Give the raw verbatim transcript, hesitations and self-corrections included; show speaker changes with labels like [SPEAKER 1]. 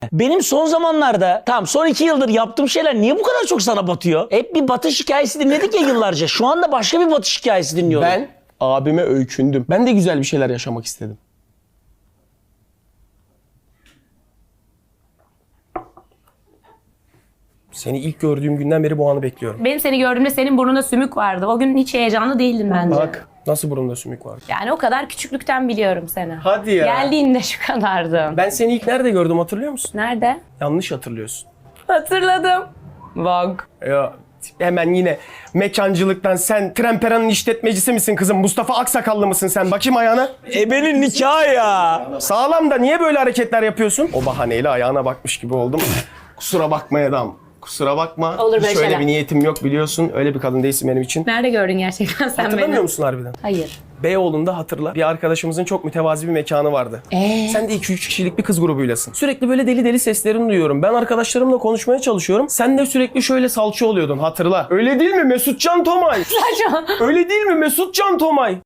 [SPEAKER 1] Benim son zamanlarda, tamam son iki yıldır yaptığım şeyler niye bu kadar çok sana batıyor? Hep bir batış hikayesi dinledik ya yıllarca. Şu anda başka bir batış hikayesi dinliyorum.
[SPEAKER 2] Ben abime öykündüm. Ben de güzel bir şeyler yaşamak istedim. Seni ilk gördüğüm günden beri bu anı bekliyorum.
[SPEAKER 3] Benim seni gördüğümde senin burnunda sümük vardı. O gün hiç heyecanlı değildin bence.
[SPEAKER 2] Bak nasıl burunda sümük var.
[SPEAKER 3] Yani o kadar küçüklükten biliyorum seni.
[SPEAKER 2] Hadi ya.
[SPEAKER 3] Geldiğinde şu kadardım.
[SPEAKER 2] Ben seni ilk nerede gördüm hatırlıyor musun?
[SPEAKER 3] Nerede?
[SPEAKER 2] Yanlış hatırlıyorsun.
[SPEAKER 3] Hatırladım. Bak.
[SPEAKER 2] Ya hemen yine mekancılıktan sen Trempera'nın işletmecisi misin kızım? Mustafa Aksakallı mısın sen? Bakayım ayağına.
[SPEAKER 1] Ebenin nikahı ya.
[SPEAKER 2] Sağlam da niye böyle hareketler yapıyorsun? O bahaneyle ayağına bakmış gibi oldum. Kusura bakma Edam. Kusura bakma.
[SPEAKER 3] Olur böyle
[SPEAKER 2] Hiç öyle
[SPEAKER 3] şeyler.
[SPEAKER 2] bir niyetim yok biliyorsun. Öyle bir kadın değilsin benim için.
[SPEAKER 3] Nerede gördün gerçekten sen
[SPEAKER 2] Hatırlamıyor
[SPEAKER 3] beni?
[SPEAKER 2] musun harbiden?
[SPEAKER 3] Hayır.
[SPEAKER 2] Beyoğlu'nda hatırla. Bir arkadaşımızın çok mütevazi bir mekanı vardı.
[SPEAKER 3] Ee?
[SPEAKER 2] Sen de iki üç kişilik bir kız grubuylasın. Sürekli böyle deli deli seslerini duyuyorum. Ben arkadaşlarımla konuşmaya çalışıyorum. Sen de sürekli şöyle salça oluyordun hatırla. Öyle değil mi Mesutcan Tomay? Öyle değil mi Mesutcan Tomay?